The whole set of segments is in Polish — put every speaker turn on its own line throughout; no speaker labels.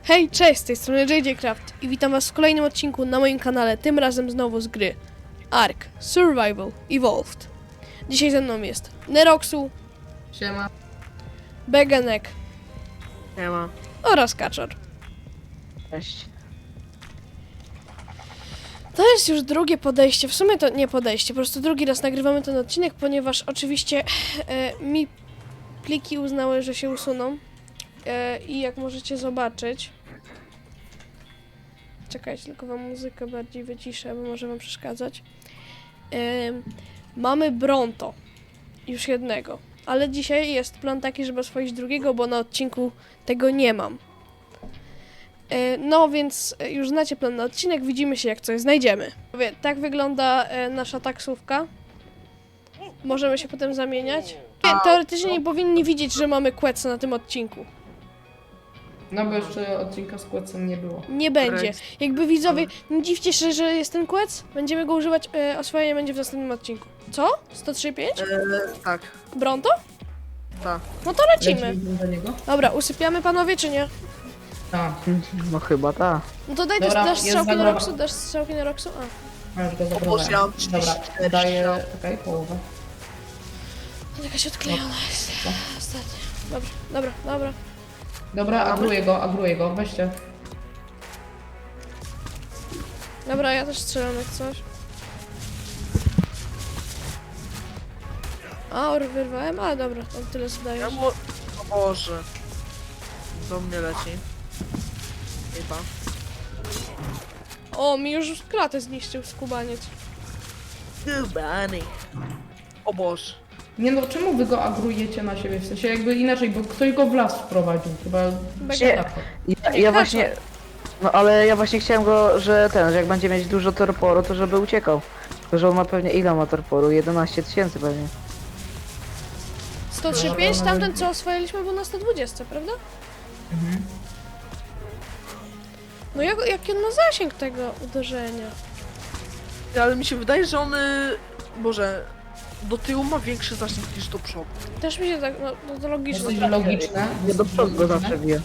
Hej, cześć, z tej strony JJ Craft i witam was w kolejnym odcinku na moim kanale, tym razem znowu z gry Ark Survival Evolved. Dzisiaj ze mną jest Neroxu,
Siema.
Begenek
Siema.
oraz Kaczor.
Cześć.
To jest już drugie podejście, w sumie to nie podejście, po prostu drugi raz nagrywamy ten odcinek, ponieważ oczywiście mi pliki uznały, że się usuną i jak możecie zobaczyć... Czekajcie, tylko wam muzykę bardziej wyciszę, bo może wam przeszkadzać. Mamy Bronto, już jednego, ale dzisiaj jest plan taki, żeby oswoić drugiego, bo na odcinku tego nie mam. No więc już znacie plan na odcinek, widzimy się jak coś znajdziemy. Tak wygląda nasza taksówka. Możemy się potem zamieniać. Teoretycznie nie powinni widzieć, że mamy Quetsa na tym odcinku.
No bo jeszcze odcinka z Kłecem nie było.
Nie będzie. Jakby widzowie, nie dziwcie się, że jest ten Quec. Będziemy go używać, oswojenie będzie w następnym odcinku. Co? 103.5?
Tak,
Bronto?
tak.
No to lecimy.
Lecimy do niego?
Dobra, usypiamy panowie, czy nie?
Tak.
No chyba tak.
No to daj
Dobra,
dasz
jest
strzałki na
zagroda.
Roxu, dasz strzałki na Roxu? A,
Już go
Boże,
zabrałem.
ja mam
Dobra,
34
daję...
strzał.
Czekaj, połowę.
to jakaś odklejona jest. Ostatnia. Dobra, dobra, dobra.
Dobra, agruję go, weźcie.
Dobra, ja też strzelam jak coś. A, wyrwałem? A, dobra, tam tyle zdaje.
Ja mu... O Boże. Do mnie leci. Chyba.
O, mi już klatę zniszczył skubaniec.
Dubany. O Boże.
Nie no, czemu wy go agrujecie na siebie? W sensie jakby inaczej, bo ktoś go w las wprowadził. Chyba...
Bege-
Tak.
Ja właśnie. No ale ja właśnie chciałem go, że jak będzie mieć dużo torporu, to żeby uciekał. Tylko że on ma pewnie ile ma torporu? 11 000 pewnie.
103.5, tamten co oswojiliśmy był na 120, prawda? No jaki on ma zasięg tego uderzenia?
Ale mi się wydaje, że on... Boże. Do tyłu ma większy zasięg niż do przodu.
Też mi się tak, no to logiczne.
Dosyć logiczne.
Ja do przodu go zawsze biję.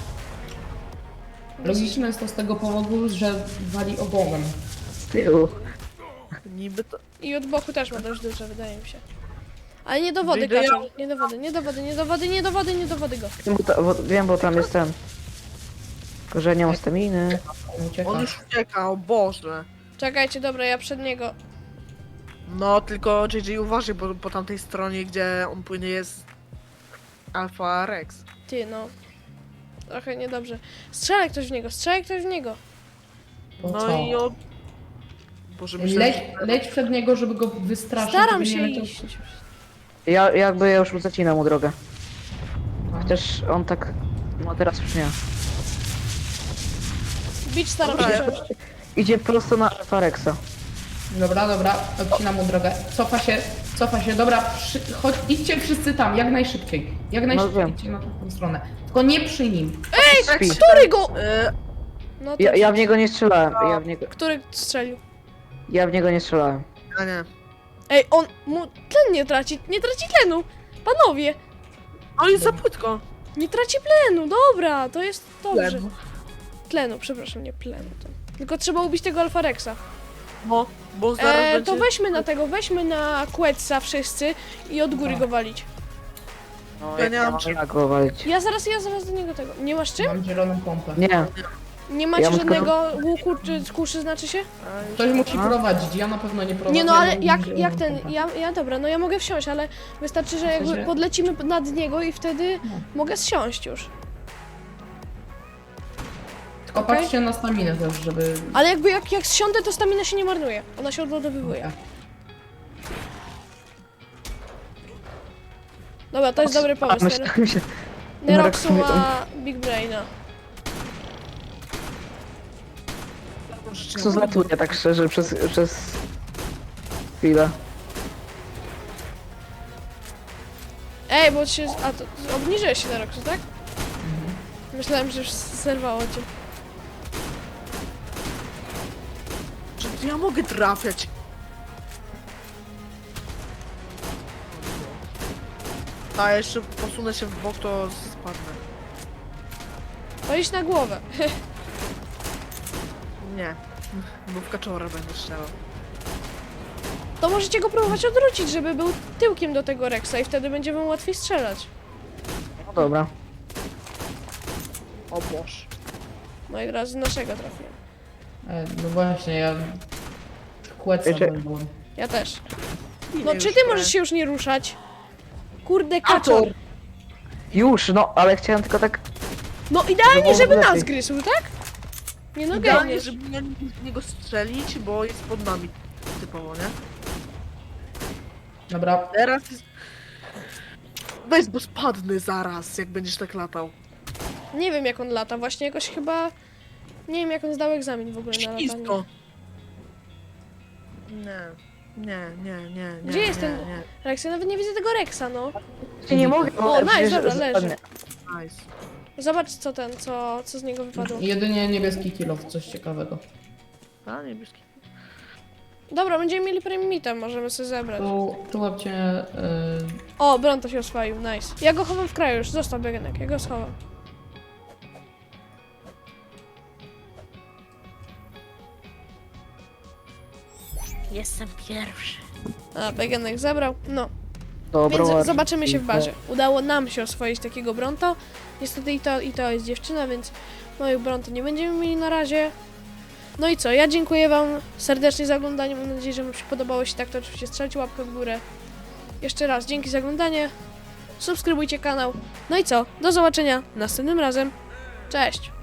Logiczne jest to z tego powodu, że wali ogonem.
Z tyłu.
Niby to...
I od boku też ma dość duże, wydaje mi się. Ale nie do wody,
Wydaje-
Kaczor. Nie do wody, nie do wody, nie do wody, nie do wody, nie do wody go.
Wiem, bo tam jest ten. Tylko że nie mam staminy.
Ucieka.
On już ucieka, o Boże.
Czekajcie, dobra, ja przed niego.
No, tylko JJ uważaj, bo po tamtej stronie, gdzie on płynie jest... Alpha Rex.
Ty, no. Trochę niedobrze. Strzelaj ktoś w niego, strzelaj ktoś w niego.
Po
No
co?
i on... Boże, myślę,
Leć przed niego, żeby go wystraszyć.
Staram
żeby
się
nie leciał-
iść.
Ja już mu zacinam mu drogę. Chociaż on tak. No teraz już nie.
Bić staram
Dobra,
się
ja-
przejść.
Idzie prosto na Farexa.
Dobra, odcinam mu drogę. Cofa się, dobra, idźcie wszyscy tam, jak najszybciej. Jak najszybciej
wiem.
idźcie na tą stronę. Tylko nie przy nim.
Śpi.
Który go?
E,
No to
Ja w niego nie strzelałem.
Który strzelił?
Ja w niego nie strzelałem.
a nie.
Ej, on mu tlen nie traci tlenu. Panowie,
On jest za płytko.
nie traci plenu, dobra, to jest dobrze.
Tlen.
Tlenu, przepraszam, nie plenu. Tylko trzeba ubić tego Alfa Rexa.
No, bo zaraz będzie...
To weźmy na Quetsa wszyscy i od góry go walić.
No,
Ja nie mam
czym jak go walić.
Ja zaraz do niego tego. Nie masz czym?
Mam zieloną pompę.
Nie.
Nie macie
Ja mam tylko-
żadnego łuku czy kuszy, znaczy się?
Ktoś musi prowadzić, ja na pewno nie prowadzę.
Nie no, ale
ja mam
jak
zieloną
ten,
pompę.
dobra, no ja mogę wsiąść, ale wystarczy, że jakby
sensie-
podlecimy nad niego i wtedy
No.
mogę zsiąść już.
Tylko
okej.
patrzcie na staminę też, żeby...
Ale jakby jak zsiądę, to stamina się nie marnuje. Ona się odładowywuje. Dobra, to jest dobry pomysł.
Myślałem się.
Neroxu
Neroxu
ma Big Braina.
Co zlatuje tak szczerze przez chwilę.
Ej, bo się... A, to obniżyłeś się Neroxu, tak? Myślałem, że już zerwało cię.
Czy ja mogę trafiać? A jeszcze posunę się w bok, to spadnę.
Walić na głowę.
Nie. Bo w kaczora będę strzelał.
To możecie go próbować odwrócić, żeby był tyłkiem do tego Rexa i wtedy będzie wam łatwiej strzelać.
No dobra.
O Boże.
No i teraz z naszego trafiłem.
No właśnie, ja... Kłeca
Wiecie-
byłem.
Ja też.
Ile
No
już
czy ty
grę?
możesz się już nie ruszać? Kurde, kaczor.
Już, no, ale chciałem tylko tak...
No idealnie, żeby
lepiej.
nas gryzł, tak? Nie no,
Idealnie,
geniusz.
żeby nie w niego strzelić, bo jest pod nami. Typowo, nie?
Dobra,
Teraz jest... Weź, bo spadnę zaraz, jak będziesz tak latał.
Nie wiem jak on lata, właśnie jakoś chyba... Nie wiem jak on zdał egzamin w ogóle na latanie.
Ślisko. Nie.
Gdzie jest
nie,
ten-
Nie.
Rex, ja nawet nie widzę tego Rexa, no.
Nie mogę,
O, nice,
przecież
dobra, leży.
spadnę.
Nice.
Zobacz co ten, co z niego wypadło.
jedynie niebieski kilof, coś ciekawego.
A, niebieski.
Dobra, będziemy mieli premium możemy sobie zebrać.
Tu łapcie...
O, Bronto się oswoił, nice. Ja go chowam w kraju już, zostaw bieganek, ja go schowam.
Jestem pierwszy.
A, bieganek zabrał, no.
Dobra,
Więc
ładnie.
zobaczymy się w barze. Udało nam się oswoić takiego Bronto. Niestety i to jest dziewczyna, więc moich Bronto nie będziemy mieli na razie. No i co, ja dziękuję wam serdecznie za oglądanie. Mam nadzieję, że wam się podobało. Jeśli tak, to oczywiście strzelcie łapkę w górę. Jeszcze raz dzięki za oglądanie. Subskrybujcie kanał. No i co, do zobaczenia następnym razem. Cześć!